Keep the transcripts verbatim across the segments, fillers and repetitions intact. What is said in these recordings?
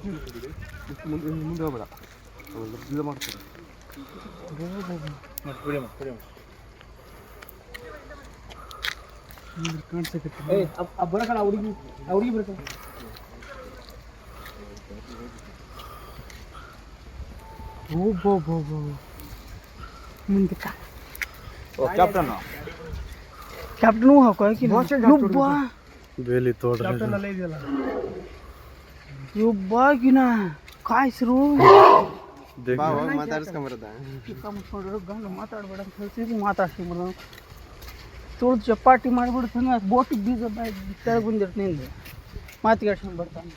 ಮುಂದೆ ಮುಂದೆ ಹೋಗ್ಬೇಡ ಇದು ಮಾಡ್ತಾರೆ ಕಾಣಿಸಕ್ಕೆ ಬರಕಣ ಹುಡುಗಿ ಹುಡುಗಿ ಬರ್ತಾವ ಓ ಬೋ ಬೋ ಬೋ ಮುಂದೆ कैप्टन कैप्टन वो है कोई कि युब्बा बेली तोड़ रहे कैप्टन ले दिला युब्बा कि ना काय सरू देख बाबा ಮಾತಾಡ್ಸ್ಕ ಬರದಾ ಕಮ್ಮ ನೋಡ್ರು ಗಂಡ ಮಾತಾಡಬೇಡ ಅಂತ ಹೇಳ್ತೀವಿ ಮಾತಾಡ್ಸಿ ಬರೋ ತೋಳ ಚಪಾಟಿ ಮಾಡಿಬಿಡ್ತಾನೆ ಬೋಟಿಗೆ ಬೀಜ ಬಾಯಿ ತೆಳಗೆ ಬಂದಿರ್ತೀನಿ ನಿಂದು ಮಾತಿಗಾಡ್ಸ್ಕೊಂಡು ಬರ್ತಾನೆ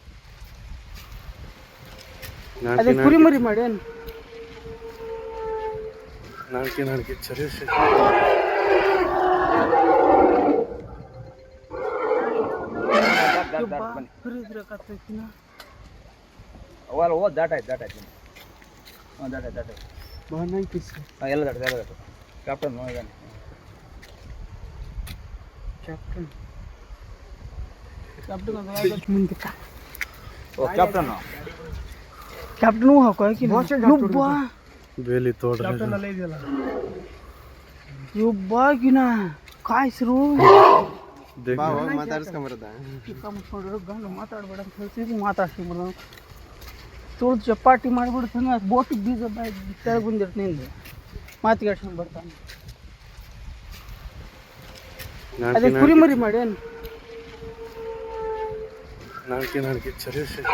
ಅದೇ ಕುರಿ ಮರಿ ಮಾಡೇನು नानके नानके चले से खरीद रखा था कि ना वाल वो दाट है दाट है हां दाट है दाट है बाहर नहीं किससे हां ಎಲ್ಲ दाट ಎಲ್ಲ दाट captain no even captain captain का आगे मुंडे का ओ कैप्टन कैप्टन वो है कोई कि युब्बा बेली तोड़ रहे कैप्टन ले दिला युब्बा कि ना काय सरू देख ಬಾಬಾ ಮಾತಾಡ್ಸ್ಕ ಬರದಾ ಕಮ್ಮ ನೋಡ್ರು ಗಂಡ ಮಾತಾಡಬೇಡ ಅಂತ ಹೇಳ್ತೀವಿ ಮಾತಾಡ್ಸಿ ಬರೋ ತೋಳ ಚಪಾಟಿ ಮಾಡಿಬಿಡ್ತಾನೆ ಬೋಟಿಗೆ ಬೀಜ ಬಾಯಿ ತೆಳಗೆ ಬಂದಿರ್ತೀನಿ ನಿಂದು ಮಾತಿಗಾಡ್ಸ್ಕೊಂಡು ಬರ್ತಾನೆ ಅದೇ ಕುರಿ ಮರಿ ಮಾಡೇನು नानके नानके चले से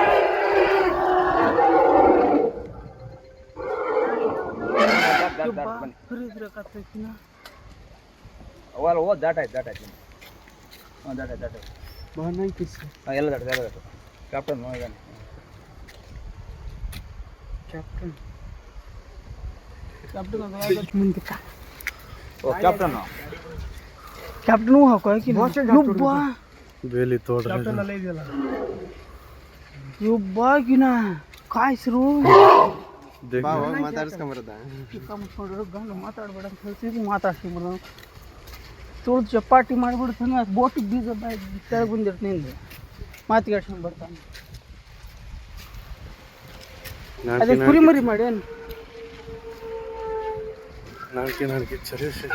खरीद रखा था कि ना वाल वो दाट है दाट है हां दाट है दाट है बाहर नहीं किससे हां ಎಲ್ಲ दाट ಎಲ್ಲ दाट captain no even captain captain का आगे मुंडे का ओ कैप्टन कैप्टन वो है कोई कि युब्बा बेली तोड़ रहे कैप्टन ले दिला युब्बा कि ना काय सरू देख ಬಾಬಾ ಮಾತಾಡ್ಸ್ಕ ಬರದಾ ಕಮ್ಮ ನೋಡ್ರು ಗಂಡ ಮಾತಾಡಬೇಡ ಅಂತ ಹೇಳ್ತೀವಿ ಮಾತಾಡ್ಸಿ ಬರೋ ತೋಳ ಚಪಾಟಿ ಮಾಡಿಬಿಡ್ತಾನೆ ಬೋಟಿಗೆ ಬೀಜ ಬಾಯಿ ತೆಳಗೆ ಬಂದಿರ್ತೀನಿ ನಿಂದು ಮಾತಿಗಾಡ್ಸ್ಕೊಂಡು ಬರ್ತಾನೆ ಅದೇ ಕುರಿ ಮರಿ ಮಾಡೇನು नानके नानके चले से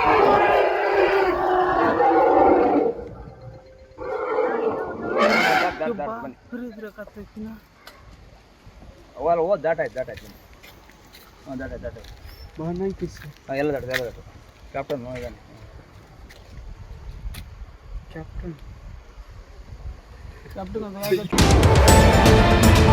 खरीद रखा था कि ना वाल वो दाट है दाट है हां दाट है दाट है बाहर नहीं किससे हां ಎಲ್ಲ दाट ಎಲ್ಲ दाट captain no even captain captain का आगे